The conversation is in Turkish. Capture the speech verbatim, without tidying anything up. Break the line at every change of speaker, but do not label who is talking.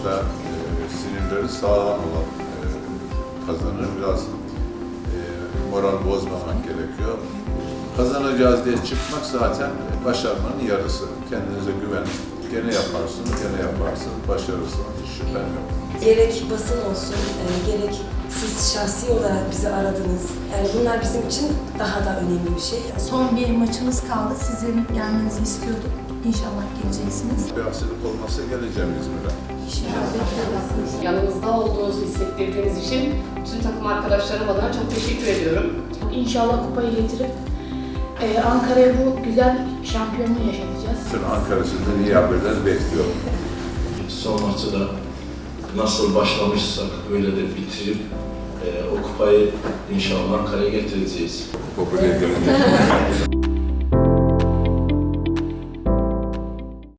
maçta e, sinirleri sağlam olan e, kazanır. Biraz e, moral bozmamak gerekiyor. Kazanacağız diye çıkmak zaten başarmanın yarısı. Kendinize güvenin. Gene yaparsınız, gene yaparsınız. Başarırsınız. Hiç şüphem yok.
Gerek basın olsun, e, gerek siz şahsi olarak bizi aradınız. Yani bunlar bizim için daha da önemli bir şey.
Son bir maçımız kaldı. Sizin gelmenizi istiyorduk. İnşallah geleceksiniz.
Bir aksilik olmazsa geleceğim İzmir'e.
Yanımızda olduğunuzu hissettirdiğiniz için bütün takım arkadaşlarım adına çok teşekkür ediyorum.
İnşallah kupayı getirip e, Ankara'ya bu güzel şampiyonluğu yaşatacağız.
Bütün Ankara sizden iyi haberler bekliyorum.
Son maçı da nasıl başlamışsak öyle de bitirip e, o kupayı inşallah Ankara'ya getireceğiz.
Kupa buraya gelince.